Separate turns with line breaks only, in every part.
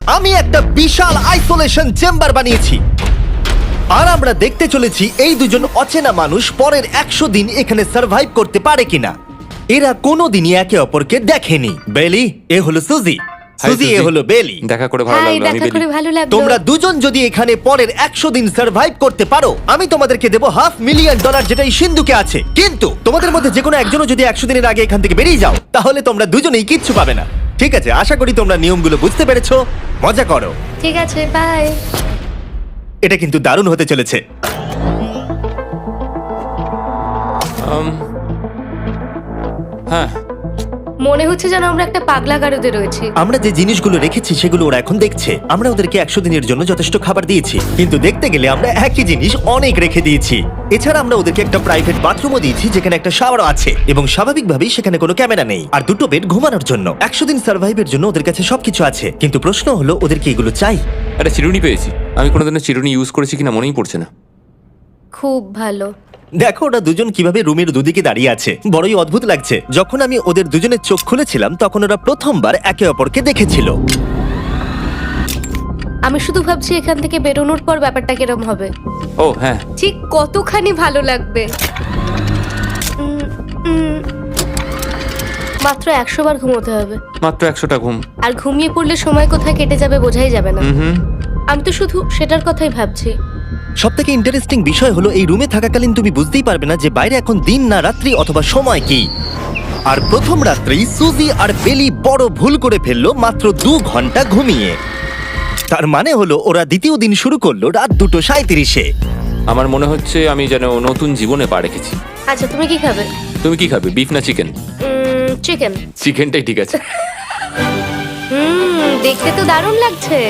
আমি একটা বিশাল isolation chamber বানিয়েছি আর আমরা দেখতে চলেছি এই দুজন অচেনা মানুষ পরের 100 দিন এখানে সার্ভাইভ করতে পারে কিনা। এরা কোনোদিনই একে অপরকে দেখেনি। বেলি, এ হলো সুজি, সুজি এ হলো বেলি।
দেখা করে ভালো
হাই,
লাগলো। আমি
দেখা করে
বেলি।
ভালো লাগলো।
তোমরা দুজন যদি এখানে পরের 100 দিন সার্ভাইভ করতে পারো আমি তোমাদেরকে দেবো $500,000 যেটা এই সিন্ধুকে আছে। কিন্তু তোমাদের মধ্যে যে কোনো একজনও যদি 100 দিনের আগে এখান থেকে বেরিয়ে যাও তাহলে তোমরা দুজনেই কিচ্ছু পাবে না। ঠিক আছে, আশা করি তোমরা নিয়মগুলো বুঝতে পেরেছো। মজা করো।
ঠিক আছে, বাই।
এটা কিন্তু দারুণ হতে চলেছে।
হ্যাঁ,
মনে হচ্ছে যেন আমরা একটা পাগলা গারদে রয়েছি।
আমরা যে জিনিসগুলো রেখেছি সেগুলো ওরা এখন দেখছে। আমরা ওদেরকে 100 দিনের জন্য যথেষ্ট খাবার দিয়েছি, কিন্তু দেখতে গেলে আমরা একই জিনিস অনেক রেখে দিয়েছি। এছাড়া আমরা ওদেরকে একটা প্রাইভেট বাথরুমও দিয়েছি যেখানে একটা শাওয়ারও আছে এবং স্বাভাবিকভাবেই সেখানে কোনো ক্যামেরা নেই আর দুটো বেড ঘুমানোর জন্য। 100 দিন সার্ভাইভের জন্য ওদের কাছে সবকিছু আছে, কিন্তু প্রশ্ন হলো ওদেরকে এগুলো চাই।
একটা চিরুনি পেয়েছি। আমি কোনোদিনও চিরুনি ইউজ করেছি কিনা মনেই পড়ছে না।
খুব ভালো।
দেখো ওরা দুজন কিভাবে রুমের দুদিকে দাঁড়িয়ে আছে, বড়ই অদ্ভুত লাগছে। যখন আমি ওদের দুজনের চোখ খুলেছিলাম তখন ওরা প্রথমবার একে অপরকে দেখেছিল।
আমি শুধু ভাবছি এখান থেকে বেরোনোর পর ব্যাপারটা কিরম হবে।
ও হ্যাঁ,
ঠিক কতখানি ভালো লাগবে। মাত্র 100 বার ঘুমোতে হবে,
মাত্র 100টা ঘুম।
আর ঘুমিয়ে পড়লে সময় কোথায় কেটে যাবে বোঝাই যাবে না।
হুম,
আমি তো শুধু সেটার কথাই ভাবছি।
সবথেকে ইন্টারেস্টিং বিষয় হলো এই রুমে থাকাকালীন তুমি বুঝতেই পারবে না যে বাইরে এখন দিন না রাত্রি অথবা সময় কি। আর প্রথম রাত্রেই সুজি আর বেলি বড় ভুল করে ফেললো মাত্র 2 ঘন্টা ঘুমিয়ে। তার মানে হলো ওরা দ্বিতীয় দিন শুরু করলো রাত 2:37-এ।
আমার মনে হচ্ছে আমি যেন নতুন জীবনে পা রেখেছি।
আচ্ছা, তুমি কি খাবে?
তুমি কি খাবে, বিফ না চিকেন?
চিকেন।
চিকেনটাই ঠিক আছে।
দেখতে তো দারুণ লাগছে।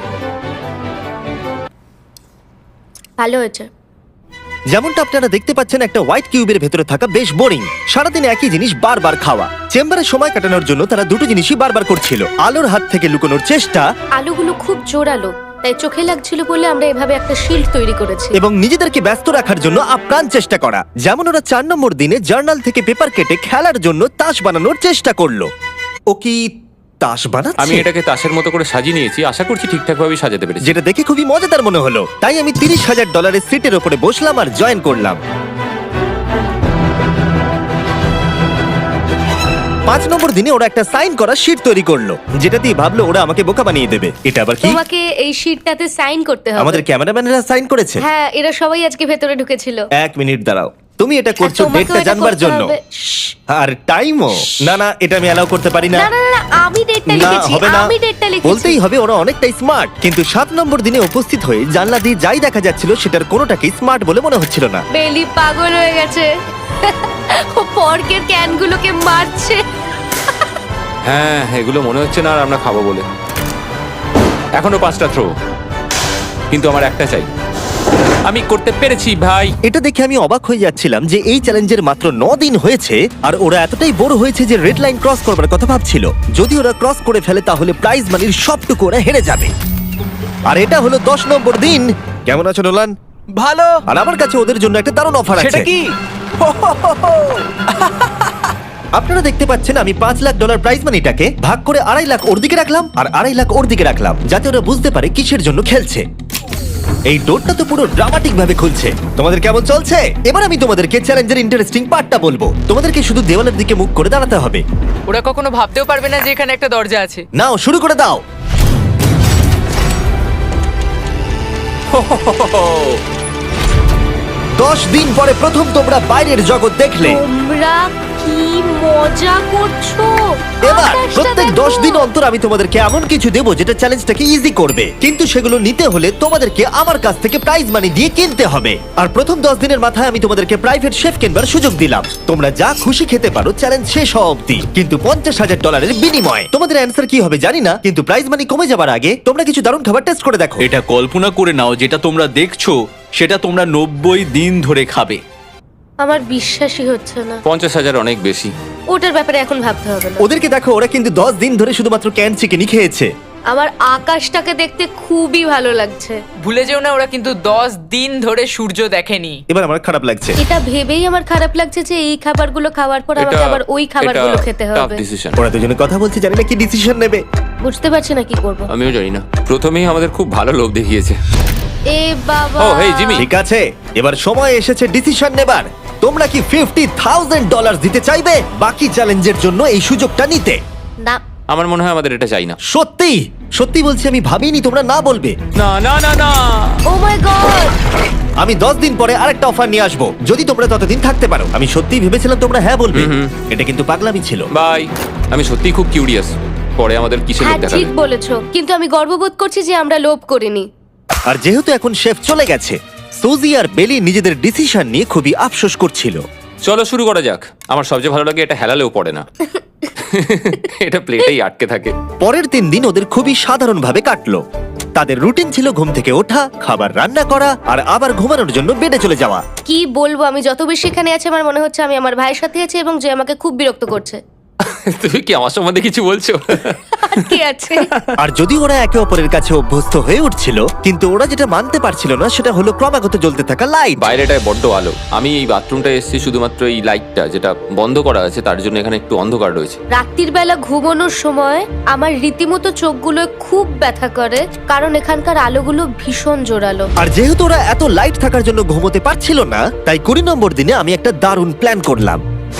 ভালো হয়েছে।
যেমনটা আপনারা দেখতে পাচ্ছেন একটা হোয়াইট কিউবের ভেতরে থাকা বেশ বোরিং। সারাদিন একই জিনিস বারবার খাওয়া। চেম্বারে সময় কাটানোর জন্য তারা দুটো জিনিসই বারবার করছিল: আলোর হাত থেকে লুকোনোর চেষ্টা
আলুগুলো খুব জোরালো, তাই চোখে লাগছিল বলে আমরা এভাবে একটা শিল্ড তৈরি করেছি।
এবং নিজেদেরকে ব্যস্ত রাখার জন্য আপ্রাণ চেষ্টা করা। যেমন ওরা 4 নম্বর দিনে জার্নাল থেকে পেপার কেটে খেলার জন্য তাস বানানোর চেষ্টা করলো। ও কি তাস বানাচ্ছে?
আমি এটাকে তাসের মতো করে সাজিয়ে নিয়েছি, আশা করছি ঠিকঠাক ভাবে সাজাতে পেরেছি।
যেটা দেখে খুবই মজাদার মনে হলো, তাই আমি $30,000 সিটের উপরে বসলাম আর জয়েন করলাম। 5 নম্বর দিনে ওরা একটা সাইন করা শিট তৈরি করলো, যেটা দিয়ে ভাবলো ওরা আমাকে বোকা বানিয়ে দেবে। এটা আবার কি?
তোমাকে এই শিটটাতে সাইন করতে হবে।
আমাদের ক্যামেরাম্যানেরা সাইন করেছে।
হ্যাঁ, এরা সবাই আজকে ভেতরে ঢুকেছিল।
1 মিনিট দাঁড়াও, তুমি এটা
আর
করছো
তোমাকেও
ডেটটা
এটা
জানবার
করতে
জন্য?
হবে। শ্শ্।
আর টাইমও? না না, এটা আমি অ্যালাউ করতে পারি না।
না না না, আমি ডেটটা
না,
লিখেছি।
হবে না।
আমি ডেটটা লিখেছি।
বলতেই হবে ওরা অনেকটাই স্মার্ট। কিন্তু 7 নম্বর দিনে উপস্থিত হয়ে জানলা দিয়ে যাই দেখা যাচ্ছিল সেটার কোনোটাকেই স্মার্ট বলে মনে হচ্ছিল না।
বেলি পাগল হয়ে গেছে। ও পর্কের ক্যানগুলোকে মারছে।
হ্যাঁ, এগুলো মনে হচ্ছে না আর আমরা খাবো বলে। এখনো 5টা থ্রো, কিন্তু আমার একটা চাই। আমি করতে পেরেছি ভাই।
এটা দেখে আমি অবাক হয়ে যাচ্ছিলাম যে এই চ্যালেঞ্জের মাত্র 9 দিন হয়েছে আর ওরা এতটাই বোর হয়েছে যে রেড লাইন ক্রস করবার কথা ভাবছিল। যদি ওরা ক্রস করে ফেলে তাহলে প্রাইজ মানির সবটুকু ওরা হেরে যাবে। আর এটা হলো 10 নম্বর দিন। কেমন আছো নোলান?
ভালো।
আর আমার কাছে ওদের জন্য একটা দারুণ অফার আছে।
সেটা কি?
আপনারা দেখতে পাচ্ছেন আমি $5 লাখ প্রাইজ মানিটাকে ভাগ করে 2.5 লাখ ওর দিকে রাখলাম আর 2.5 লাখ ওর দিকে রাখলাম, যাতে ওরা বুঝতে পারে কিসের জন্য খেলছে। এই ডোরটা তো পুরো ড্রামাটিক ভাবে খুলছে। তোমাদের কেমন চলছে? এবার আমি তোমাদেরকে চ্যালেঞ্জের ইন্টারেস্টিং পার্টটা বলবো। তোমাদেরকে শুধু দেওয়ালের দিকে মুখ করে দাঁড়াতে হবে।
ওরা কখনো ভাবতেও পারবে না যে এখানে একটা দরজা আছে।
নাও শুরু করে দাও। দশ দিন পরে প্রথম তোমরা বাইরের জগৎ দেখলে।
তোমরা কি মজা করছো?
এবার
আকাশটা
প্রত্যেক
দেখো।
10 দিন অন্তর আমি তোমাদেরকে এমন কিছু দেবো যেটা চ্যালেঞ্জটাকে ইজি করবে, কিন্তু সেগুলো নিতে হলে তোমাদেরকে আমার কাছ থেকে প্রাইজ মানি দিয়ে কিনতে হবে। আর প্রথম 10 দিনের মাথায় আমি তোমাদেরকে প্রাইভেট শেফ কেনবার সুযোগ দিলাম। তোমরা যা খুশি খেতে পারো চ্যালেঞ্জ শেষ হওয়া অবধি, কিন্তু $50,000 বিনিময়ে। তোমাদের অ্যান্সার কি হবে জানি না, কিন্তু প্রাইজ মানি কমে যাবার আগে তোমরা কিছু দারুণ খাবার টেস্ট করে দেখো।
এটা কল্পনা করে নাও যেটা তোমরা দেখছো সেটা তোমরা 90 দিন ধরে খাবে।
আমার বিশ্বাসই হচ্ছে না।
50,000 অনেক বেশি।
ওটার ব্যাপারে এখন ভাবতে হবে না।
ওদেরকে দেখো, ওরা কিন্তু 10 দিন ধরে শুধুমাত্র ক্যান চিকেনই খেয়েছে।
আমার আকাশটাকে দেখতে খুবই ভালো লাগছে।
ভুলে যেও না ওরা কিন্তু 10 দিন ধরে সূর্য দেখেনি।
এবার আমার খারাপ লাগছে।
এটা ভেবেই আমার খারাপ লাগছে যে এই খাবারগুলো খাওয়ার পর আমাকে আবার ওই খাবারগুলো খেতে হবে।
ডিসিশন।
ওরা দুজনে কথা বলছে, জানি না কি ডিসিশন নেবে।
বুঝতে পারছি না কি করব।
আমিও জানি না, প্রথমেই আমাদের খুব ভালো লোভ দেখিয়েছে।
এ বাবা।
ও, হেই, জিমি।
ঠিক আছে, এবার সময় এসেছে ডিসিশন নেবার। তোমরা কি $50,000 দিতে চাইবে বাকি চ্যালেঞ্জের জন্য এই সুযোগটা নিতে?
না।
আমার মনে হয় আমাদের এটা চাই না।
সত্যি সত্যি বলছি, আমি ভাবিনি তোমরা না বলবে।
না না না না।
Oh my god.
আমি 10 দিন পরে আরেকটা অফার নিয়ে আসবো, যদি তোমরা ততদিন থাকতে পারো। আমি সত্যি ভেবেছিলাম তোমরা হ্যাঁ বলবে। এটা কিন্তু পাগলামি ছিল।
বাই। আমি সত্যিই খুব কিউরিয়াস, পরে আমাদের কিসের লোভ
হ্যাঁ
দেখাবে।
ঠিক বলেছো, কিন্তু আমি গর্ববোধ করছি যে আমরা লোভ করিনি।
আর যেহেতু এখন শেফ চলে গেছে, সুজি আর বেলি নিজেদের ডিসিশন নিয়ে খুবই আফসোস করছিল।
চলো শুরু করা যাক। আমার সবচেয়ে ভালো লাগে এটা হেলালেও পড়ে না। এটা প্লেটেই আটকে থাকে।
পরের 3 দিন ওদের খুবই সাধারণভাবে কাটলো। তাদের রুটিন ছিল ঘুম থেকে ওঠা, খাবার রান্না করা আর আবার ঘুমানোর জন্য বেডে চলে যাওয়া।
কি বলবো, আমি যত বেশি এখানে আছি আমার মনে হচ্ছে আমি আমার ভাইয়ের সাথে আছি এবং যে আমাকে খুব বিরক্ত করছে।
তুমি কি আমার সম্বন্ধে কিছু বলছো?
আর কি আছে?
আর যদি ওরা একে অপরের কাছে অভ্যস্ত হয়ে উঠছিল, কিন্তু ওরা যেটা মানতে পারছিল না সেটা হলো ক্রমাগত জ্বলতে থাকা লাইট।
বাইরেটায় বড্ড আলো। আমি এই বাথরুমটায় এসেছি শুধুমাত্র এই লাইটটা যেটা বন্ধ করা আছে তার জন্য এখানে একটু অন্ধকার রয়েছে।
রাত্রির বেলা ঘুমানোর সময় আমার রীতিমতো চোখগুলো খুব ব্যথা করে, কারণ এখানকার আলোগুলো ভীষণ জোরালো।
আর যেহেতু ওরা এত লাইট থাকার জন্য ঘুমোতে পারছিল না, তাই 20 নম্বর দিনে আমি একটা দারুণ প্ল্যান করলাম।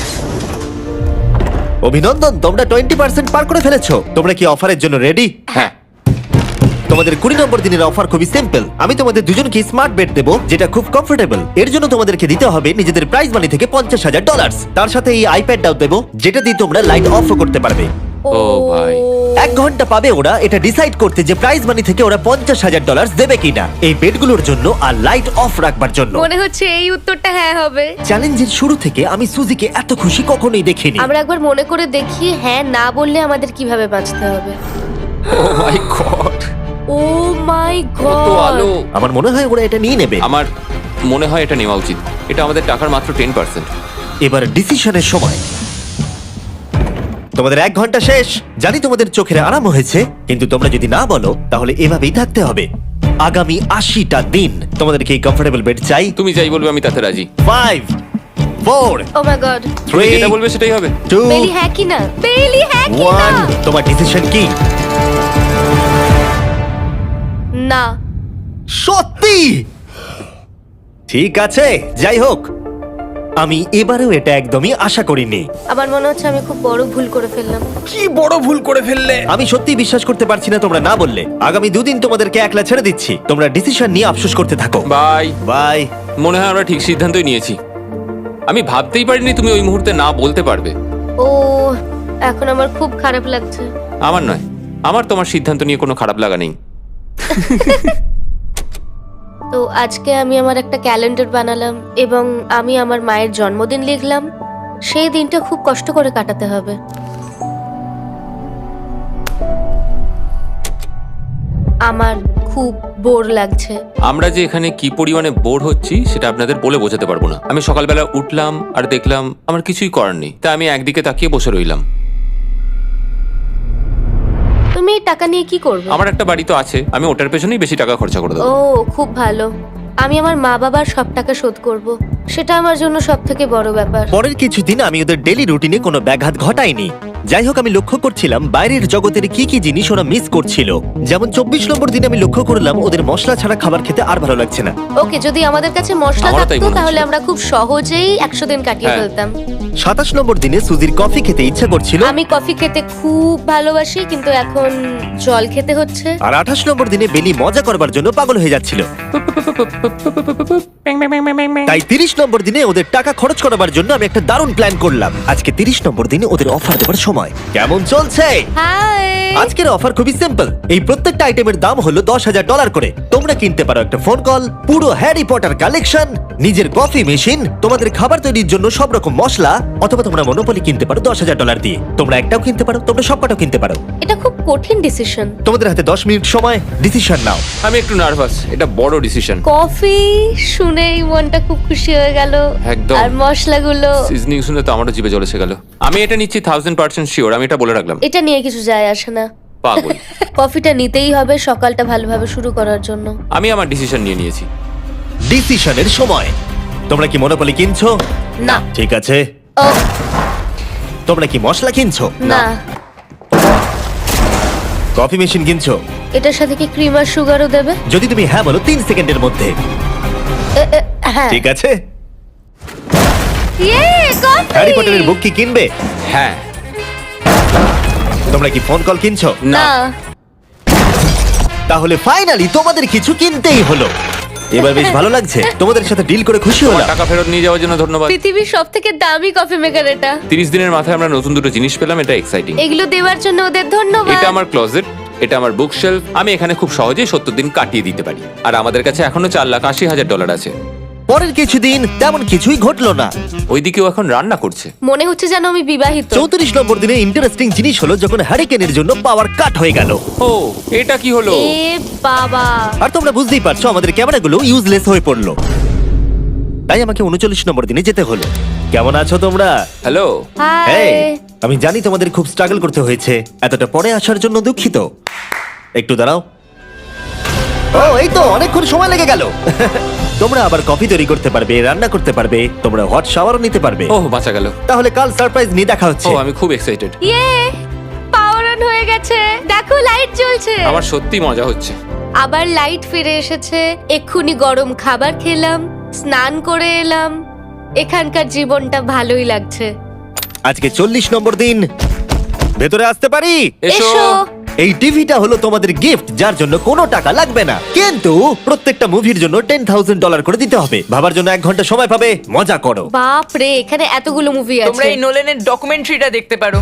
অভিনন্দন, তোমরা 20% পার করে ফেলেছো। তোমরা কি অফারের জন্য রেডি?
হ্যাঁ।
তোমাদের 20 নম্বর দিনের অফার খুবই সিম্পল। আমি তোমাদের দুজনকে স্মার্ট বেড দেবো, যেটা খুব কমফোর্টেবল। এর জন্য তোমাদেরকে দিতে হবে নিজেদের প্রাইজ মানি থেকে $50,000। তার সাথে এই আইপ্যাডটাও দেবো, যেটা দিয়ে তোমরা লাইট অফও করতে পারবে।
ও ভাই।
1 ঘন্টা পাবে ওরা এটা ডিসাইড করতে যে প্রাইজ মানি থেকে ওরা $50,000 দেবে কিনা এই বেডগুলোর জন্য আর লাইট অফ রাখবার জন্য।
মনে হচ্ছে এই উত্তরটা হ্যাঁ হবে।
চ্যালেঞ্জের শুরু থেকে আমি সুজিকে এত খুশি কখনোই দেখিনি।
আমরা একবার মনে করে দেখি হ্যাঁ না বললে আমাদের কিভাবে বাঁচতে হবে।
ও মাই গড।
ও মাই
কত
গড।
আলো।
আমার মনে হয় ওরা এটা নিয়ে নেবে।
আমার মনে হয় এটা নেওয়া উচিত। এটা আমাদের টাকার মাত্র 10%।
এবার ডিসিশনের সময়। তোমাদের 1 ঘন্টা শেষ। জানি তোমাদের চোখের আরাম হয়েছে, কিন্তু তোমরা যদি না বলো তাহলে এভাবেই থাকতে হবে আগামী 80টা দিন। তোমাদেরকে এই কমফোর্টেবল বেড চাই।
তুমি যাই বলবে আমি তাতে রাজি।
5 4
ও মাই গড।
তুমি
3
যেটা বলবে সেটাই হবে।
2
বেলি হ্যাঁ কি না? বেলি হ্যাঁ কি না?
1 তোমার ডিসিশন কি?
না।
সত্যি? ঠিক আছে, যাই হোক, আমি এবারেও এটা একদমই আশা করিনি।
আমার মনে হচ্ছে আমি খুব বড় ভুল করে ফেললাম।
কি বড় ভুল করে ফেললে।
আমি সত্যি বিশ্বাস করতে পারছি না তোমরা না বললে। আগামী 2 দিন তোমাদেরকে একলা ছেড়ে দিচ্ছি। তোমরা ডিসিশন নিয়ে আফসোস করতে থাকো।
বাই।
বাই।
মনে হয় আমরা ঠিক সিদ্ধান্তই নিয়েছি। আমি ভাবতেই পারিনি তুমি ওই মুহূর্তে না বলতে পারবে।
ও, এখন আমার খুব খারাপ লাগছে।
আমার নয়, আমার তোমার সিদ্ধান্ত নিয়ে কোনো খারাপ লাগা নেই।
তো আজকে আমি আমার একটা ক্যালেন্ডার বানালাম এবং আমি আমার মায়ের জন্মদিন লিখলাম। সেই দিনটা খুব কষ্ট করে কাটাতে হবে। আমার খুব বোর লাগছে।
আমরা যে এখানে কি পরিমাণে বোর হচ্ছি সেটা আপনাদের বলে বোঝাতে পারবো না। আমি সকালবেলা উঠলাম আর দেখলাম আমার কিছুই করার নেই, তাই আমি একদিকে তাকিয়ে বসে রইলাম।
তুমি এই টাকা নিয়ে কি করবে?
আমার একটা বাড়ি তো আছে, আমি ওটার পেছনেই বেশি টাকা খরচা করে
ও
দেবো।
খুব ভালো। আমি আমার মা বাবার সব টাকা শোধ করব। সেটা আমার জন্য সব থেকে বড় ব্যাপার।
পরের কিছুদিন আমি ওদের ডেলি রুটিনে কোনো ব্যাঘাত ঘটাইনি। যাই হোক, আমি লক্ষ্য করছিলাম বাইরের জগতের কি কি জিনিস ওরা মিস করছিল। যেমন 24 নম্বর দিনে আমি লক্ষ্য করলাম ওদের মশলা ছাড়া খাবার খেতে আর ভালো লাগছে না।
ওকে, যদি আমাদের কাছে মশলা
আমারও তাই
থাকতো
মনে
তাহলে
হচ্ছিল।
আমরা খুব সহজেই 100 দিন কাটিয়ে
হ্যাঁ।
ফেলতাম।
27 নম্বর দিনে সুজির কফি খেতে ইচ্ছা করছিল,
আমি কফি খেতে খুব ভালোবাসি, কিন্তু এখন জল খেতে হচ্ছে।
আর 28 নম্বর দিনে বেলি মজা করবার জন্য পাগল হয়ে যাচ্ছিল। তাই 30 নম্বর দিনে ওদের টাকা খরচ করাবার জন্য আমি একটা দারুণ প্ল্যান করলাম। আজকে 30 নম্বর দিনে ওদের অফার দেওয়ার সময়। কেমন চলছে?
হাই।
আজকের অফার খুবই সিম্পল। এই প্রত্যেকটা আইটেমের দাম হলো $10,000 করে। তোমরা কিনতে পারো একটা ফোন কল, পুরো হ্যারি পটার কালেকশন, নিজের কফি মেশিন, তোমাদের খাবার তৈরির জন্য সব রকম মশলা, অথবা তোমরা মনোপলি কিনতে পারো $10,000 দিয়ে। তোমরা একটাও কিনতে পারো, তোমরা সবকটাও কিনতে পারো।
এটা খুব কঠিন ডিসিশন।
তোমাদের হাতে 10 মিনিট সময়, ডিসিশন নাও।
আমি একটু নার্ভাস, এটা বড় ডিসিশন।
কফি শুনেই মনটা খুব খুশি হয়ে গেল।
একদম।
আর মশলাগুলো।
সিজনিং শুনে তো আমারও জিভে জল এসে গেল। আমি এটা নিচ্ছি 1000% শিওর, আমি এটা বলে রাখলাম।
এটা নিয়ে কিছু যায় আসে না।
পাগল।
কফিটা নিতেই হবে সকালটা ভালোভাবে শুরু করার জন্য।
আমি আমার ডিসিশন নিয়ে নিয়েছি।
ডিসিশনের সময়। তোমরা কি মনোপলি কিনছো?
না।
ঠিক আছে।
ও
তোমরা কি মশলা কিনছো?
না।
কফি মেশিন কিনছো?
এটার সাথে কি ক্রিম আর সুগারও দেবে?
যদি তুমি হ্যাঁ বলো 3 সেকেন্ডের মধ্যে।
হ্যাঁ।
ঠিক আছে।
ইয়ে, কফি!
হ্যারি পটারের বুক কি কিনবে?
হ্যাঁ।
তোমরা কি ফোন কল কিনছো?
না।
তাহলে ফাইনালি তোমাদের কিছু কিনতেই হলো। এবার বেশ ভালো লাগছে। তোমাদের সাথে ডিল করে খুশি
তোমার
হলাম।
টাকা ফেরত নিয়ে যাওয়ার জন্য ধন্যবাদ।
পৃথিবীর সবথেকে দামি কফি মেকার এটা।
30 দিনের মাথায় আমরা নতুন দুটো জিনিস পেলাম, এটা এক্সাইটিং।
এগুলো দেওয়ার জন্য ওদের ধন্যবাদ।
এটা আমার ক্লোজেট, এটা আমার বুক শেলফ। আমি এখানে খুব সহজেই 70 দিন কাটিয়ে দিতে পারি। আর আমাদের কাছে এখনো $4,80,000 আছে।
পরের কিছুদিন তেমন কিছুই ঘটলো না।
ওইদিকেও এখন রান্না করছে।
মনে হচ্ছে যেন আমি বিবাহিত।
34 নম্বর দিনে ইন্টারেস্টিং জিনিস হলো যখন হ্যারিকেনের জন্য পাওয়ার কাট হয়ে গেল।
ও, এটা কি হলো?
এ বাবা!
আর তোমরা বুঝতেই পারছো আমাদের ক্যামেরাগুলো ইউজলেস হয়ে পড়লো। তাই আমাকে 39 নম্বর দিনে যেতে হলো। কেমন আছো তোমরা?
হ্যালো।
হাই।
এই, আমি জানি তোমাদের খুব স্ট্রাগল করতে হয়েছে। এতটা পরে আসার জন্য দুঃখিত। একটু দাঁড়াও। ও, এই তো অনেকক্ষণ সময় লেগে গেল। তোমরা আবার কফি তৈরি করতে পারবে, রান্না করতে পারবে, তোমরা হট শাওয়ারও নিতে পারবে।
ওহ, বাঁচা গেল।
তাহলে কাল সারপ্রাইজ নিয়ে দেখা
ও,
হচ্ছে।
আমি খুব এক্সাইটেড।
ইয়ে! পাওয়ার অন হয়ে গেছে। দেখো লাইট জ্বলছে।
আমার সত্যি মজা হচ্ছে।
আবার লাইট ফিরে এসেছে। এক্ষুনি গরম খাবার খেলাম, স্নান করে এলাম। এখানকার জীবনটা ভালোই লাগছে।
আজকে 40 নম্বর দিন। ভেতরে আসতে পারি?
এসো।
এই টিভিটা হলো তোমাদের গিফট, যার জন্য কোনো টাকা লাগবে না, কিন্তু প্রত্যেকটা মুভির জন্য $10,000 করে দিতে হবে। ভাবার জন্য 1 ঘন্টা সময় পাবে। মজা করো।
বাপ রে, এখানে এতগুলো মুভি
তোমরা
আছে।
এই নোলেনের ডকুমেন্টারিটা দেখতে পারো।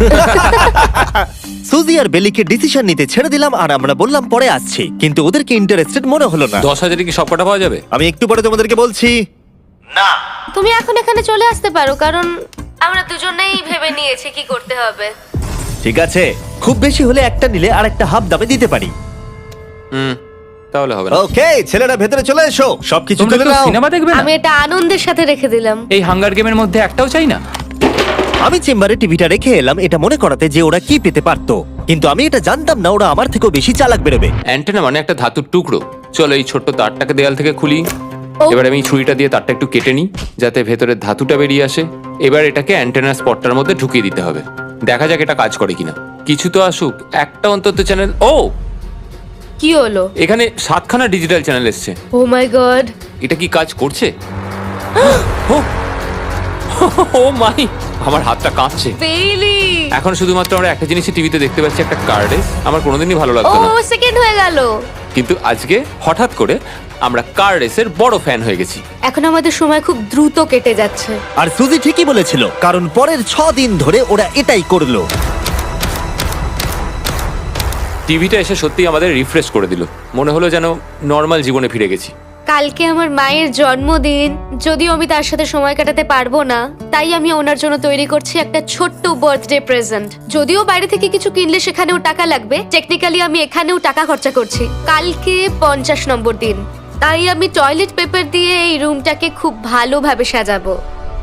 সুজি আর বেলিকে ডিসিশন নিতে ছেড়ে দিলাম আর আমরা বললাম পরে আসছি, কিন্তু ওদেরকে ইন্টারেস্টেড মনে হলো না।
10,000 কি সব কটা পাওয়া যাবে?
আমি একটু পরে তোমাদেরকে বলছি। না,
তুমি এখন এখানে চলে আসতে পারো, কারণ আমরা দুজনেই ভেবে নিয়েছি কি করতে হবে।
ঠিক আছে, খুব বেশি হলে একটা নিলে আর একটা হাফ দামে দিতে পারি।
তাহলে হবে না।
ওকে, ছেলেরা ভেতরে চলে এসো, সবকিছু
তোমরা
তুলে
কেউ
নাও।
সিনেমা দেখবে না?
আমি এটা আনন্দের সাথে রেখে দিলাম।
এই হাঙ্গার গেমের মধ্যে একটাও চাই না।
আমি চেম্বারে টিভিটা রেখে এলাম এটা মনে করাতে যে ওরা কি পেতে পারতো, কিন্তু আমি এটা জানতাম না ওরা আমার থেকেও বেশি চালাক বেরোবে।
অ্যান্টেনা মানে একটা ধাতুর টুকরো। চলো এই ছোট্ট তারটাকে দেয়াল থেকে খুলি।
ও।
এবার আমি ছুরিটা দিয়ে তারটা একটু কেটে নিই যাতে ভেতরের ধাতুটা বেরিয়ে আসে। এবার এটাকে অ্যান্টেনার স্পটটার মধ্যে ঢুকিয়ে দিতে হবে। দেখা যাক এটা কাজ করে কিনা। কিছু তো আসুক, একটা অন্তত চ্যানেল। ও,
কি হলো?
এখানে 7খানা ডিজিটাল চ্যানেল এসছে।
Oh my god!
এটা কি কাজ করছে? ও, ও মাই, আমার হাতটা কাঁপছে।
বেইলি!
এখন শুধুমাত্র আমরা একটা জিনিসই টিভিতে দেখতে পাচ্ছি, একটা কার রেস। আমার কোনোদিনই ভালো
ও
লাগতো না,
সেকেন্ড হয়ে গেল।
কিন্তু আজকে হঠাৎ করে আমরা কার রেসের বড় ফ্যান হয়ে গেছি।
এখন আমাদের সময় খুব দ্রুত কেটে যাচ্ছে।
আর সুজি ঠিকই বলেছিল, কারণ পরের 6 দিন ধরে ওরা এটাই করলো।
টিভিটা এসে সত্যি আমাদের রিফ্রেশ করে দিল। মনে হলো যেন নর্মাল জীবনে ফিরে গেছি।
কালকে আমার মায়ের জন্মদিন, যদিও আমি তার সাথে সময় কাটাতে পারবো না, তাই আমি ওনার জন্য তৈরি করছি একটা ছোট্ট বার্থডে প্রেজেন্ট। যদিও বাইরে থেকে কিছু কিনলে সেখানেও টাকা লাগবে, টেকনিক্যালি আমি এখানেও টাকা খরচা করছি। কালকে 50 নম্বর দিন, তাই আমি টয়লেট পেপার দিয়ে এই রুমটাকে খুব ভালোভাবে সাজাবো।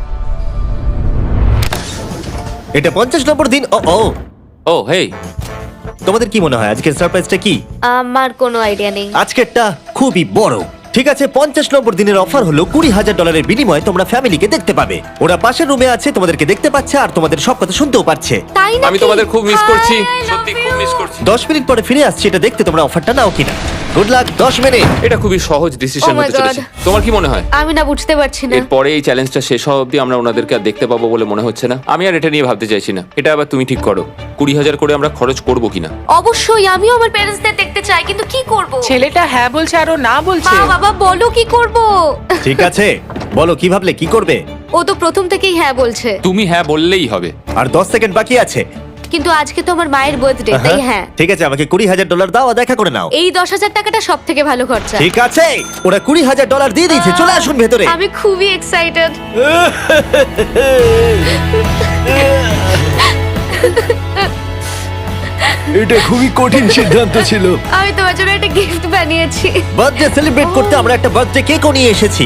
এটা 50 নম্বর দিন। ও ও,
ও হেই,
তোমাদের কি মনে হয় আজকের সারপ্রাইজটা কি?
আমার কোনো আইডিয়া নেই।
আজকেরটা খুবই বড়। ঠিক আছে, 50 নম্বর দিনের অফার হলো $20,000 বিনিময়ে তোমরা ফ্যামিলিকে দেখতে পাবে। ওরা পাশের রুমে আছে, তোমাদেরকে দেখতে পাচ্ছে আর তোমাদের সব কথা শুনতেও পাচ্ছে।
তাই না?
আমি তোমাদের খুব মিস করছি, সত্যি খুব মিস করছি।
10 মিনিট পরে ফিরে আসছি এটা দেখতে তোমরা অফারটা নাও কিনা। Good luck. 10 মিনিট।
এটা খুবই সহজ ডিসিশন
Oh my
হতে চলেছে।
God.
তোমার কি মনে হয়?
আমি না বুঝতে পারছি না।
এরপরে এই চ্যালেঞ্জটা শেষ হওয়া অবধি আমরা ওনাদেরকে আর দেখতে পাবো বলে মনে হচ্ছে না। আমি আর এটা নিয়ে ভাবতে চাইছি না। এটা আবার তুমি ঠিক করো, 20,000 করে আমরা খরচ করবো কিনা।
অবশ্যই আমিও আমার প্যারেন্টসদের দেখতে চাই, কিন্তু কি করব?
ছেলেটা হ্যাঁ বলছে আর ও না বলছে।
মা বাবা বলো কি করব?
ঠিক আছে, বলো কি ভাবলে, কি করবে?
ও তো প্রথম থেকেই হ্যাঁ বলছে,
তুমি হ্যাঁ বললেই হবে।
আর 10 সেকেন্ড বাকি আছে।
কিন্তু আজকে তো আমার মায়ের বার্থডে, তাই হ্যাঁ।
ঠিক আছে, আমাকে $20,000 দাও আর দেখা করে নাও।
এই 10,000 টাকাটা সব থেকে ভালো খরচা।
ঠিক আছে, ওরা $20,000 দিয়ে দিয়েছে। চলে আসুন ভেতরে।
আমি খুবই এক্সাইটেড।
এটা খুবই কঠিন সিদ্ধান্ত ছিল।
আমি তোমার জন্য একটা গিফট বানিয়েছি।
বার্থডে সেলিব্রেট করতে আমরা একটা বার্থডে কেকও নিয়ে এসেছি।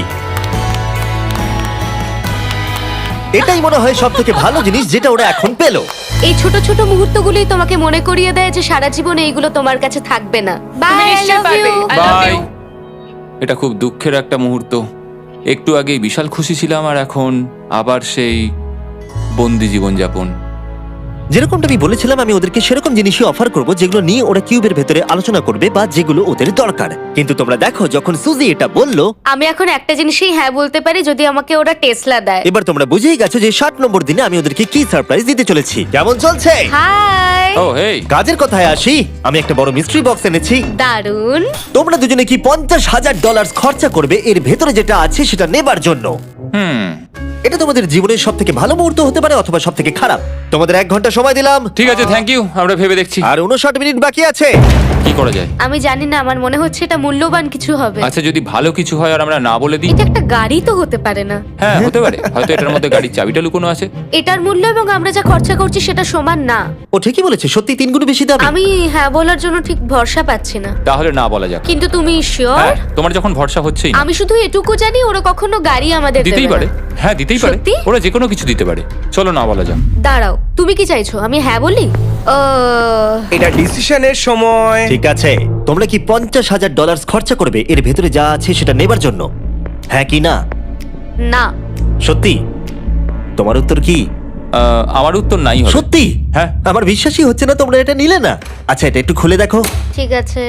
এটাই মনে হয় সব থেকে ভালো জিনিস যেটা ওরা এখন পেলো।
এই ছোট ছোট মুহূর্তগুলোই তোমাকে মনে করিয়ে দেয় যে সারা জীবন এইগুলো তোমার কাছে থাকবে না। বাই, আই
নিশ্চয়ই
লাভ
পারবে।
You.
I love
bye.
you.
এটা খুব দুঃখের একটা মুহূর্ত। একটু আগেই বিশাল খুশি ছিলাম আর এখন আবার সেই বন্দি জীবনযাপন।
যেরকমটা আমি বলেছিলাম, আমি ওদেরকে সেরকম জিনিসই অফার করব যেগুলো নিয়ে ওরা কিউবের ভেতরে আলোচনা করবে বা যেগুলো ওদের দরকার। কিন্তু তোমরা দেখো, যখন সুজি এটা বললো,
আমি এখন একটা জিনিসই হ্যাঁ বলতে পারি, যদি আমাকে ওরা টেসলা দেয়।
এবার তোমরা বুঝেই গেছো যে 60 নম্বর দিনে আমি ওদেরকে কি সারপ্রাইজ দিতে চলেছি। কেমন চলছে?
হাই,
ও হেই,
কাজের কথায় আসি, আমি একটা বড় মিস্ট্রি বক্স এনেছি।
দারুন।
তোমরা দুজনে কি $50,000 খরচা করবে এর ভেতরে যেটা আছে সেটা নেবার জন্য? এটা তোমাদের জীবনের সব থেকে ভালো মুহূর্ত হতে পারে অথবা সব থেকে খারাপ। তোমাদের 1 ঘন্টা সময় দিলাম
ঠিক আছে, থ্যাংক ইউ, আমরা ভেবে দেখছি
আর 59 মিনিট বাকি আছে।
কি করা যায়।
আমি জানি না, আমার মনে হচ্ছে এটা মূল্যবান কিছু হবে।
আচ্ছা, যদি ভালো কিছু হয় আর আমরা না বলে দিই?
এটা একটা গাড়ি তো হতে পারে না?
হ্যাঁ, হতে পারে, হয়তো এটার মধ্যে গাড়ির চাবিটা লুকোনো আছে।
এটার মূল্য এবং আমরা যা খরচা করছি সেটা সমান না।
ও ঠিকই বলেছে, সত্যি 3 গুণ বেশি দাম।
আমি হ্যাঁ বলার জন্য ঠিক ভরসা পাচ্ছি না।
তাহলে না বলা যাক।
কিন্তু তুমি শিওর?
হ্যাঁ, তোমার যখন ভরসা হচ্ছেই না।
আমি শুধু এটুকু জানি, ওরা কখনো গাড়ি আমাদের
দিতেই
দেবে
পারে।
না।
হ্যাঁ, দিতেই পারে,
সত্যি?
ওরা যে কোনো কিছু দিতে পারে। চলো না বলা যাক।
দাঁড়াও, তুমি কি চাইছো আমি হ্যাঁ বলি?
এটা ডিসিশনের সময়।
ঠিক আছে, তোমরা কি $50,000 খরচা করবে এর ভেতরে যা আছে সেটা নেবার জন্য? হ্যাঁ কি না?
না।
সত্যি? তোমার উত্তর কি?
আমার উত্তর নাই হবে।
সত্যি?
হ্যাঁ।
আমার বিশ্বাসই হচ্ছে না তোমরা এটা নিলে না। আচ্ছা, এটা একটু খুলে দেখো।
ঠিক আছে।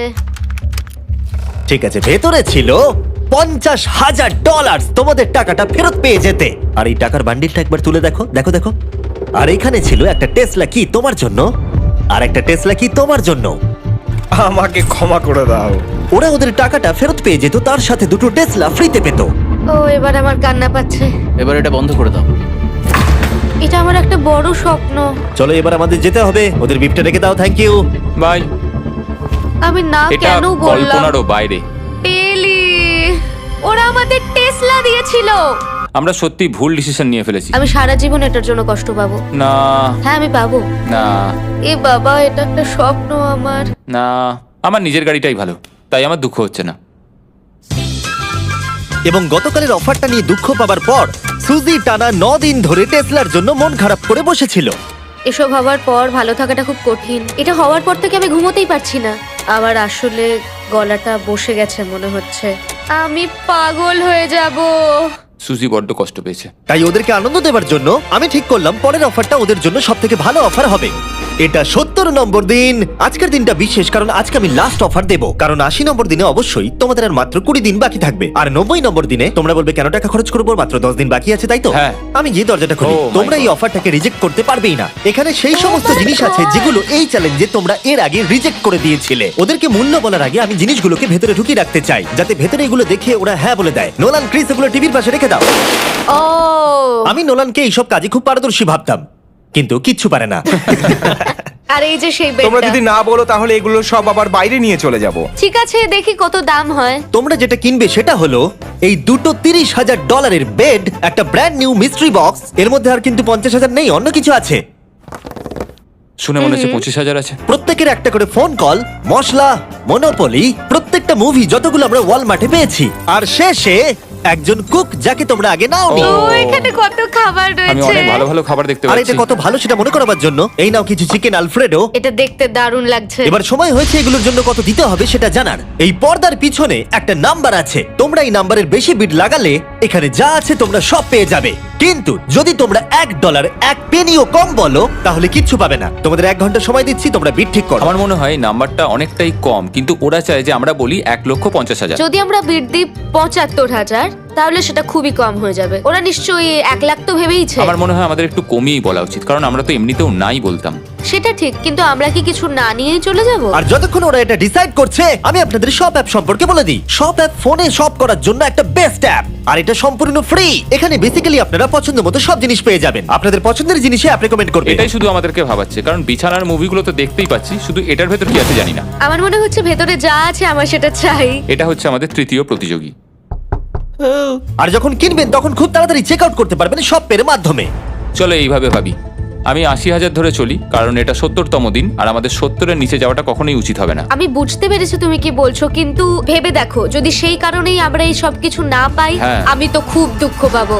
ঠিক আছে, ভেতরে ছিল $50,000। তোমাদের টাকাটা ফেরত পেয়ে যেতে। আর এই টাকার বান্ডিলটা একবার তুলে দেখো, দেখো দেখো। আর এখানে ছিল একটা টেসলা কি তোমার জন্য, আর একটা টেসলা কি তোমার জন্য।
আমাকে ক্ষমা করে দাও।
ওরা ওদের টাকাটা ফেরত পেয়ে যেত, তার সাথে 2টো টেসলা ফ্রিতে পেত।
ও, এবার আমার কান্না পাচ্ছে।
এবার এটা বন্ধ করে দাও।
এটা আমার একটা বড় স্বপ্ন।
চলো এবার আমাদের যেতে হবে। ওদের বিফটা রেখে দাও। Thank you.
বাই।
আমি না
এটা
কেন বললাম?
কল্পনারও বাইরে।
পেলি, ওরা আমাদের টেসলা দিয়েছিল।
আমরা সত্যি ভুল ডিসিশন নিয়ে ফেলেছি।
আমি সারা জীবন এটার জন্য কষ্ট পাবো।
না
হ্যাঁ, আমি পাবো।
না
এ বাবা, এটা একটা স্বপ্ন আমার।
না, আমার নিজের গাড়িটাই ভালো, তাই আমার দুঃখ হচ্ছে না।
এবং গতকালের অফারটা নিয়ে দুঃখ পাবার পর সুজি টানা 9 দিন ধরে টেসলার জন্য মন খারাপ করে বসেছিল।
এসব হওয়ার পর ভালো থাকাটা খুব কঠিন। এটা হওয়ার পর থেকে আমি ঘুমোতেই পারছি না। আমার আসলে গলাটা বসে গেছে মনে হচ্ছে। আমি পাগল হয়ে যাব।
সুজি বড্ড কষ্ট পেয়েছে।
তাই ওদেরকে আনন্দ দেওয়ার জন্য আমি ঠিক করলাম পরের অফারটা ওদের জন্য সব থেকে ভালো অফার হবে। এটা 70 নম্বর দিন। আজকের দিনটা বিশেষ কারণ আজকে আমি লাস্ট অফার দেব। কারণ 80 নম্বর দিনে অবশ্যই তোমাদের আর মাত্র 20 দিন বাকি থাকবে। আর 90 নম্বর দিনে তোমরা বলবে কেন টাকা খরচ করবো, মাত্র 10 দিন বাকি আছে, তাই তো?
হ্যাঁ।
আমি গিয়ে দরজাটা খুলি।
Oh my
তোমরা এই
God.
অফারটাকে রিজেক্ট করতে পারবেই না। এখানে সেই সমস্ত
my
জিনিস আছে
God.
যেগুলো এই চ্যালেঞ্জে তোমরা এর আগে রিজেক্ট করে দিয়েছিলে। ওদেরকে মূল্য বলার আগে আমি জিনিসগুলোকে ভেতরে ঢুকিয়ে রাখতে চাই, যাতে ভেতরে এগুলো দেখে ওরা হ্যাঁ বলে দেয়। নোলান, ক্রিস, এগুলো টিভির পাশে রেখে দাও।
ও,
আমি নোলানকে এইসব কাজে খুব পারদর্শী ভাবতাম, কিন্তু কিচ্ছু পারে না।
আর এই যে সেই
তোমরা
বেডটা।
যদি না বলো তাহলে এগুলো সব আবার বাইরে নিয়ে চলে যাব।
ঠিক আছে, দেখি কত দাম হয়।
তোমরা যেটা কিনবে সেটা হলো এই দুটো $30,000 বেড, একটা ব্র্যান্ড নিউ মিস্ট্রি বক্স। এর মধ্যে আর কিন্তু 50,000 নেই, অন্য কিছু আছে।
শুনে মনে হচ্ছে 25,000 আছে।
প্রত্যেকের একটা করে ফোন কল, মশলা, মনোপলি, প্রত্যেকটা মুভি যতগুলো আমরা ওয়ালমার্টে পেয়েছি, আর শেষে একজন কুক যাকে তোমরা আগে নাওনি।
ও।
ও, এখানে কত খাবার
আমি
রয়েছে।
অনেক ভালো ভালো খাবার দেখতে
আর
পাচ্ছি।
এটা কত ভালো সেটা মনে করাবার জন্য এই নাও কিছু চিকেন আলফ্রেডো।
এটা দেখতে দারুণ লাগছে।
এবার সময় হয়েছে এগুলোর জন্য কত দিতে হবে সেটা জানার। এই পর্দার পিছনে একটা নাম্বার আছে, তোমরা এই নাম্বারের বেশি বিড লাগালে এখানে যা আছে তোমরা সব পেয়ে যাবে। কিন্তু যদি তোমরা $1 1 পেনিও কম বলো তাহলে কিচ্ছু পাবে না। তোমাদের 1 ঘন্টা সময় দিচ্ছি, তোমরা বিড ঠিক করো।
আমার মনে হয় নাম্বারটা অনেকটাই কম, কিন্তু ওরা চায় যে আমরা বলি 1,50,000।
যদি আমরা বিড দিই 75,000, তাহলে সেটা খুবই কম হয়ে যাবে। ওরা নিশ্চয়ই 1 লাখ তো ভেবেইছে।
আমার মনে হয় আমাদের একটু কমিয়েই বলা উচিত, কারণ আমরা তো এমনিতেও নাই বলতাম।
সেটা ঠিক, কিন্তু আমরা কি কিছু না নিয়েই চলে যাব?
আর যতক্ষণ ওরা এটা ডিসাইড করছে আমি আপনাদের শপ অ্যাপ সম্পর্কে বলে দিই। শপ অ্যাপ ফোনে শপ করার জন্য একটা বেস্ট অ্যাপ, আর এটা সম্পূর্ণ ফ্রি। এখানে বেসিক্যালি আপনারা পছন্দ মতো সব জিনিস পেয়ে যাবেন। আপনাদের পছন্দের জিনিসে অ্যাপ রেকমেন্ড করবে।
এটাই শুধু আমাদেরকে ভাবাচ্ছে, কারণ বিছানার মুভিগুলো তো দেখতেই পাচ্ছি, শুধু এটার ভেতর কি আছে জানি না।
আমার মনে হচ্ছে ভেতরে যা আছে আমার সেটা চাই।
এটা হচ্ছে আমাদের তৃতীয় প্রতিযোগী।
আর যখন কিনবেন তখন খুব তাড়াতাড়ি চেক আউট করতে পারবেন শপ পের মাধ্যমে।
চলো এইভাবে ভাবি। আমি 80,000 ধরে চলি, কারণ এটা 70তম দিন, আর আমাদের 70-এর নিচে যাওয়াটা কখনোই উচিত হবে না।
আমি বুঝতে পেরেছি তুমি কি বলছো, কিন্তু ভেবে দেখো যদি সেই কারণেই আমরা এই সব কিছু না পাই,
হ্যাঁ।
আমি তো খুব দুঃখ পাবো।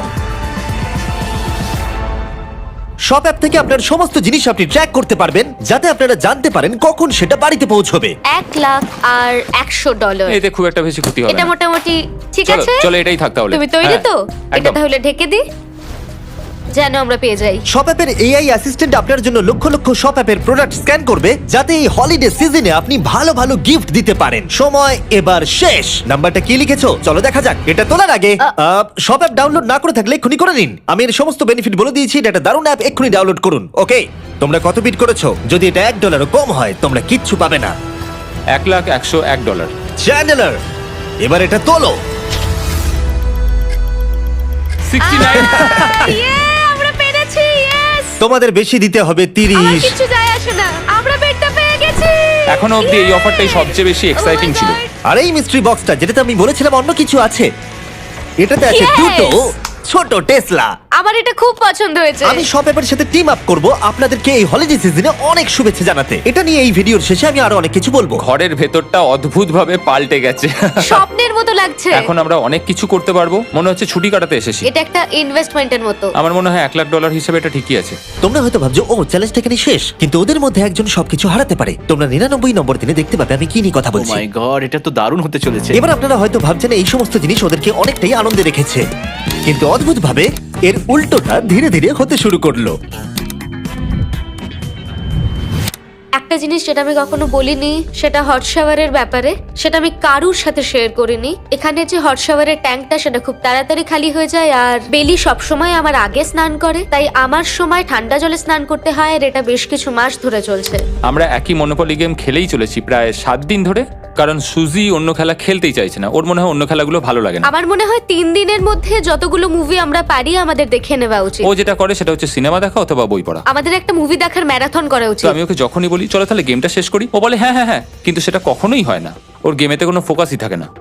শপ অ্যাপ থেকে আপনার সমস্ত জিনিস আপনি ট্র্যাক করতে পারবেন, যাতে আপনারা জানতে পারেন কখন সেটা বাড়িতে পৌঁছবে।
1 লাখ আর $100।
এতে খুব একটা বেশি ক্ষতি হবে
এটা
না।
মোটামুটি ঠিক
চলো
আছে।
চলো এটাই থাক তাহলে।
তুমি তৈরি
হ্যাঁ,
তো? এটা
একদম।
তাহলে ঢেকে দি। যেন আমরা পেয়ে যাই।
শপ অ্যাপের এআই অ্যাসিস্ট্যান্ট আপনার জন্য লক্ষ লক্ষ শপ অ্যাপের প্রোডাক্ট স্ক্যান করবে, যাতে এই হলিডে সিজনে আপনি ভালো ভালো গিফট দিতে পারেন। সময় এবার শেষ। নাম্বারটা কি লিখেছো চলো দেখা যাক। এটা তোলার আগে শপ অ্যাপ ডাউনলোড না করে থাকলে এক্ষুনি করে নিন। আমি এর সমস্ত বেনিফিট বলে দিয়েছি। এটা একটা দারুণ অ্যাপ, এক্ষুনি ডাউনলোড করুন। ওকে, তোমরা কত বিট করেছো? যদি এটা $1 কম হয় তোমরা কিচ্ছু পাবে না।
$1,101
চ্যান্ডেলার, এবার এটা তোলো।
69
আমরা পেরেছি, ইয়েস।
তোমাদের বেশি দিতে হবে
আমার
30।
কিছু যায় আসে না, আমরা বেডটা পেয়ে গেছি।
এখনো অবধি এই অফারটাই সবচেয়ে বেশি এক্সাইটিং ছিল।
আর এই মিস্ট্রি বক্সটা, যেটাতে আমি বলেছিলাম অন্য কিছু আছে, এটাতে আছে
Yes!
দুটো ছোট টেসলা।
আমার এটা খুব পছন্দ হয়েছে।
আমি শপ অ্যাপের সাথে টিম আপ করব আপনাদেরকে এই হলিডে সিজনে অনেক শুভেচ্ছা জানাতে। এটা নিয়ে এই ভিডিওর শেষে আমি আরো অনেক কিছু বলবো।
ঘরের ভেতরটা অদ্ভুতভাবে পাল্টে গেছে।
স্বপ্নের মতো লাগছে।
এখন আমরা অনেক কিছু করতে পারবো, মনে হচ্ছে ছুটি কাটাতে এসেছি।
এটা একটা ইনভেস্টমেন্টের মতো।
আমার মনে হয় $1,00,000 হিসেবে এটা ঠিকই আছে।
তোমরা হয়তো ভাবছো ও চ্যালেঞ্জটা এখানে শেষ, কিন্তু ওদের মধ্যে একজন সবকিছু হারাতে পারে। তোমরা 99 নম্বর দিনে দেখতে পাবে আমি কি নিয়ে কথা
ও
বলছি।
মাই গড, এটা তো দারুণ হতে চলেছে।
এবার আপনারা হয়তো ভাবছেন এই সমস্ত জিনিস ওদেরকে অনেকটাই আনন্দে রেখেছে, কিন্তু অদ্ভুতভাবে এর উল্টোটা ধীরে ধীরে হতে শুরু করলো।
একটা জিনিস যেটা আমি কখনো বলিনি, সেটা হট শাওয়ারের ব্যাপারে। সেটা আমি কারুর সাথে শেয়ার করিনি। এখানে যে হট শাওয়ারের ট্যাঙ্কটা, সেটা খুব তাড়াতাড়ি খালি হয়ে যায়। আর বেলি সবসময় আমার আগে স্নান করে, তাই আমার সময় ঠান্ডা জলে স্নান করতে হয়। আর এটা বেশ কিছু মাস ধরে চলছে।
আমরা একই মনোপলি গেম খেলেই চলেছি প্রায় 7 দিন ধরে, কারণ সুজি অন্য খেলা খেলতেই চাইছে না। ওর মনে হয় অন্য খেলাগুলো ভালো লাগে না।
আমার মনে হয় 3 দিনের মধ্যে যতগুলো মুভি আমরা পারি আমাদের দেখে নেওয়া উচিত।
ও যেটা করে সেটা হচ্ছে সিনেমা দেখা অথবা বই পড়া।
আমাদের একটা মুভি দেখার ম্যারাথন করা
তো
উচিত।
আমি ওকে যখনই বলি চলো তাহলে গেমটা শেষ করি, ও বলে হ্যাঁ হ্যাঁ হ্যাঁ, কিন্তু সেটা কখনোই হয় না। ওর গেমেতে কোনো ফোকাসই থাকে না।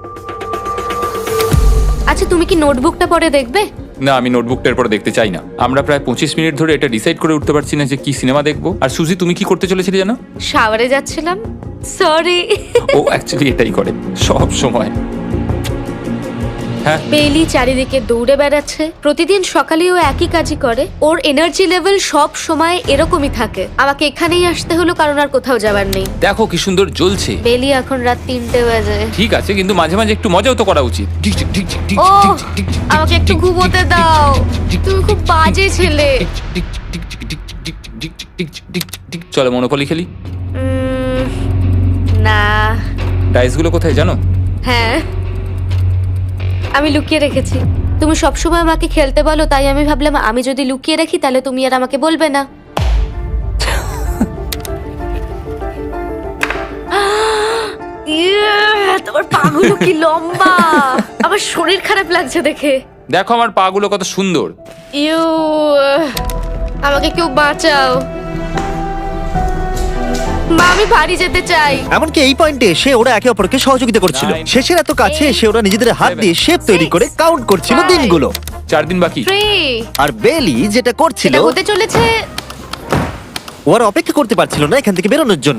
আচ্ছা, তুমি কি নোটবুকটা পরে দেখবে?
না, আমি নোটবুকটার পর দেখতে চাই না। আমরা প্রায় 25 মিনিট ধরে এটা ডিসাইড করে উঠতে পারছি না যে কি সিনেমা দেখবো। আর সুজি, তুমি কি করতে চলেছিলে জানো?
শাওয়ারে যাচ্ছিলাম। সরি।
ও অ্যাকচুয়ালি এটাই করে সব সময়। হ্যাঁ,
বেলি চারিদিকে দৌড়ে বেড়াচ্ছে। প্রতিদিন সকালে ও একই কাজই করে। ওর এনার্জি লেভেল সব সময় এরকমই থাকে। আমাকে এখানেই আসতে হলো, কারণ আর কোথাও যাবার নেই।
দেখো কি সুন্দর জ্বলছে।
বেলি এখন রাত 3টে বাজে।
ঠিক আছে, কিন্তু মাঝে মাঝে একটু মজাও তো করা উচিত।
ও, আমাকে একটু ঘুমোতে দাও। তুমি খুব বাজে ছেলে।
চলো মনোপলি খেলি।
না।
ডাইসগুলো কোথায় জানো?
হ্যাঁ, আমি লুকিয়ে রেখেছি। তুমি সবসময় আমাকে খেলতে বলো, তাই আমি ভাবলাম আমি যদি লুকিয়ে রাখি তাহলে তুমি আর আমাকে বলবে না। তোমার পাগুলো কি লম্বা! আমার শরীর খারাপ লাগছে দেখে।
দেখো আমার পাগুলো কত সুন্দর।
ইউ, আমাকে কেউ বাঁচাও। মা, আমি বাড়ি যেতে চাই।
এমনকি এই পয়েন্টে এসে ওরা একে অপরকে সহযোগিতা করছিল।
9,
শেষের এত কাছে
8,
এসে ওরা নিজেদের হাত দিয়ে শেপ তৈরি করে কাউন্ট করছিল
5,
দিনগুলো।
4 দিন বাকি।
3,
আর বেলি যেটা করছিল,
এটা হতে চলেছে।
ও আর অপেক্ষা করতে পারছিল না এখান থেকে বেরোনোর জন্য।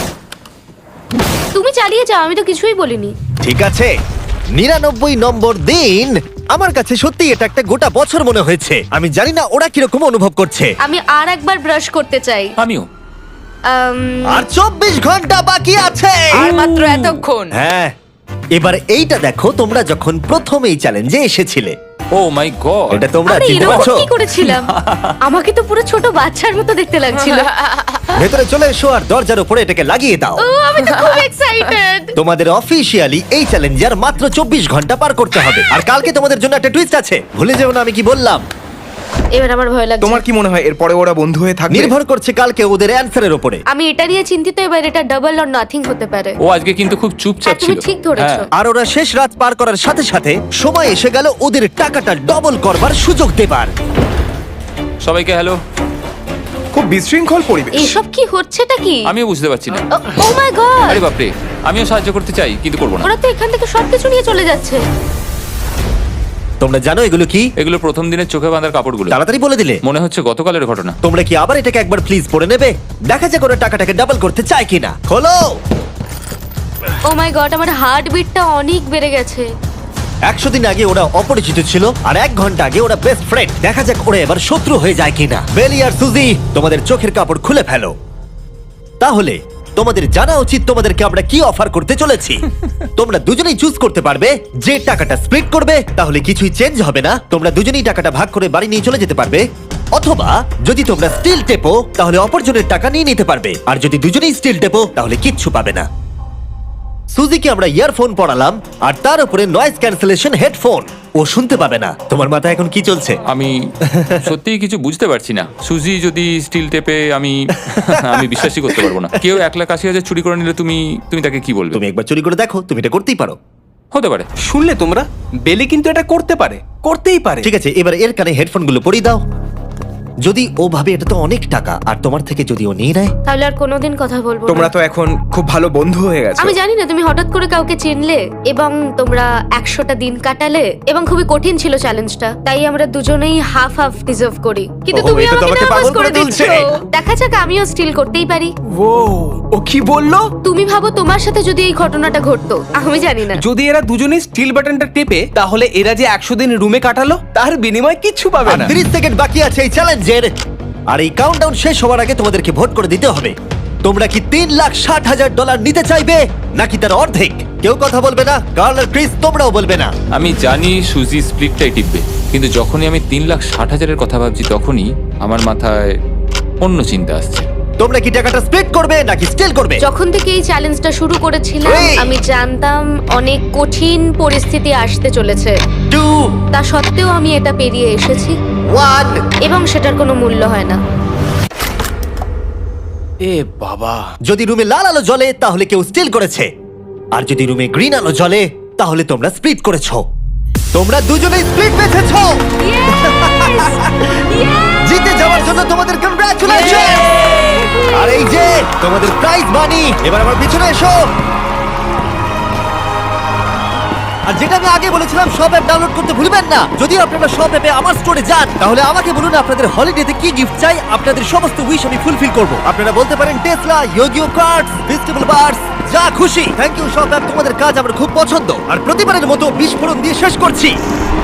তুমি চালিয়ে যাও, আমি তো কিছুই বলিনি।
ঠিক আছে, 99 নম্বর দিন। আমার কাছে সত্যি এটা একটা গোটা বছর মনে হয়েছে। আমি জানি না ওরা কিরকম অনুভব করছে।
আমি আর একবার ব্রাশ করতে চাই।
আমিও।
আর 24 ঘন্টা বাকি আছে।
আর মাত্র এতক্ষণ।
হ্যাঁ, এবার এইটা দেখো, তোমরা যখন প্রথম এই চ্যালেঞ্জে এসেছিলে,
ও মাই গড।
এটা তোমরা
আরে
চিনতে
এরকম
পারছো?
কি করেছিলাম? আমাকে তো পুরো ছোট বাচ্চার মতো দেখতে লাগছিল।
ভেতরে চলে এসো আর দরজার উপরে এটাকে লাগিয়ে দাও।
ও, আমি তো খুব এক্সাইটেড।
তোমাদের অফিসিয়ালি এই চ্যালেঞ্জে আর মাত্র 24 ঘন্টা পার করতে হবে। আর কালকে তোমাদের জন্য একটা টুইস্ট আছে, ভুলে যেও না আমি কি বললাম।
এবার আমার ভয় লাগছে।
তোমার কি মনে হয় এরপরে ওরা বন্ধু হয়ে থাকবে?
নির্ভর করছে কালকে ওদের অ্যানসারের উপরে।
আমি এটা নিয়ে চিন্তিত। এবার এটা ডাবল অর নাথিং হতে পারে।
ও আজকে কিন্তু খুব চুপচাপ
হ্যাঁ, তুমি
ছিল।
ঠিক ধরেছো।
হ্যাঁ।
আর ওরা শেষ রাত পার করার সাথে সাথে সময় এসে গেল ওদের টাকাটা ডবল করবার সুযোগ দেবার।
সবাইকে হ্যালো।
খুব বিশৃঙ্খল পরিবেশ।
এসব কি হচ্ছেটা কি?
আমিও বুঝতে পারছি না।
Oh my god!
আরে বাপরে, আমিও সাহায্য করতে চাই কিন্তু করবো না।
ওরা তো এখান থেকে সবকিছু নিয়ে চলে যাচ্ছে।
তোমরা জানো এগুলো কি?
এগুলো প্রথম দিনের চোখে বাঁধার কাপড়গুলো।
তাড়াতাড়ি বলে দিলে।
মনে হচ্ছে গতকালের ঘটনা।
তোমরা কি আবার এটাকে একবার প্লিজ পড়ে নেবে? দেখা যাক ওরা টাকাটাকে ডাবল করতে চায় কিনা। খোলো।
ও মাই গড, আমার হার্ট বিটটা অনেক বেড়ে গেছে।
100 দিন আগে ওরা অপরিচিত ছিল, আর 1 ঘন্টা আগে ওরা বেস্ট ফ্রেন্ড। দেখা যাক ওরা এবার শত্রু হয়ে যায় কিনা। বেলি আর সুজি, তোমাদের চোখের কাপড় খুলে ফেলো। তাহলে তোমাদের জানা উচিত তোমাদেরকে আমরা কি অফার করতে চলেছি। তোমরা দুজনেই চুজ করতে পারবে যে টাকাটা স্প্লিট করবে, তাহলে কিছুই চেঞ্জ হবে না, তোমরা দুজনেই টাকাটা ভাগ করে বাড়ি নিয়ে চলে যেতে পারবে। অথবা যদি তোমরা স্টিল টেপো তাহলে অপরজনের টাকা নিয়ে নিতে পারবে, আর যদি দুজনেই স্টিল টেপো তাহলে কিচ্ছু পাবে না। সুজিকে আমরা ইয়ারফোন পড়ালাম আর তার উপরে নয়েজ ক্যান্সেলেশন হেডফোন, ও শুনতে পাবে না। তোমার মাথায় এখন কি চলছে?
আমি সত্যিই কিছু বুঝতে পারছি না। সুজি যদি স্টিল টেপে, আমি বিশ্বাসই করতে পারবো না। কেউ 1,80,000 চুরি করে নিলে তুমি তাকে কি বলবে?
তুমি একবার চুরি করে দেখো, তুমি এটা করতেই পারো।
হতে পারে।
শুনলে তোমরা, বেলি কিন্তু এটা করতে পারে, করতেই পারে।
ঠিক আছে, এবার এর কানে হেডফোনগুলো পরিয়ে দাও। যদি ও ভাবে এটা তো অনেক টাকা, আর তোমার থেকে যদি ও নিয়ে নেয়,
তাহলে আর কোনোদিন কথা বলবো
তোমরা
না।
তো এখন খুব ভালো বন্ধু হয়ে গেছো।
আমি জানি না তুমি হঠাৎ করে কাউকে চিনলে এবং তোমরা 100টা দিন কাটালে এবং খুবই কঠিন ছিল চ্যালেঞ্জটা, তাই আমরা দুজনেই হাফ হাফ ডিজার্ভ করি। কিন্তু
ওহো,
তুমি
এটা তো
আমাকে
আমাকে
নার্ভাস
পাগল
করে
করে
দিচ্ছ।
তুলছে।
দেখা যাক, আমিও স্টিল করতেই পারি।
ও কি বললো?
তুমি ভাবো তোমার সাথে যদি এই ঘটনাটা ঘটতো, আমি জানি না।
যদি এরা দুজনেই স্টিল বাটনটা টেপে, তাহলে এরা যে 100 দিন রুমে কাটালো তার বিনিময়ে কিচ্ছু পাবে
আর
না।
30 সেকেন্ড বাকি আছে এই চ্যালেঞ্জের, আর এই কাউন্টডাউন শেষ হওয়ার আগে তোমাদেরকে ভোট করে দিতে হবে। তোমরা কি $3,60,000 নিতে চাইবে নাকি তার অর্ধেক? কেউ কথা বলবে না, কার্ল আর ক্রিস তোমরাও বলবে না।
আমি জানি সুজি স্প্লিটটাই টিপবে, কিন্তু যখনই আমি 3,60,000-এর কথা ভাবছি, তখনই আমার মাথায় অন্য চিন্তা আসছে।
তোমরা কি টাকাটা স্প্লিট করবে নাকি স্টিল করবে?
যখন থেকে এই চ্যালেঞ্জটা শুরু করেছিলাম,
Three.
আমি জানতাম অনেক কঠিন পরিস্থিতি আসতে চলেছে।
2,
তা সত্ত্বেও আমি এটা পেরিয়ে এসেছি
1।
এবং সেটার কোনো মূল্য হয় না।
এ বাবা,
যদি রুমে লাল আলো জ্বলে তাহলে কেউ স্টিল করেছে, আর যদি রুমে গ্রিন আলো জ্বলে তাহলে তোমরা স্প্লিট করেছো। তোমরা দুজনেই স্প্লিট বেঁচেছো। জিতে যাওয়ার জন্য তোমাদের কংগ্রাচুলেশন। আর এই যে তোমাদের প্রাইজ মানি, এবার আমার পিছনে এসো। আর যেটা আমি আগে বলেছিলাম, সব অ্যাপ ডাউনলোড করতে ভুলবেন না। যদি আপনারা সব অ্যাপে আমার স্টোরে যান, তাহলে আমাকে বলুন আপনাদের হলিডেতে কি গিফট চাই। আপনাদের সমস্ত উইশ আমি ফুলফিল করব। আপনারা বলতে পারেন টেসলা, ইয়োগিও কার্ডস, ভেজিটেবল বার্স, যা খুশি। থ্যাংক ইউ সব অ্যাপ, তোমাদের কাজ আমার খুব পছন্দ। আর প্রতিবারের মতো বিস্ফোরণ দিয়ে শেষ করছি।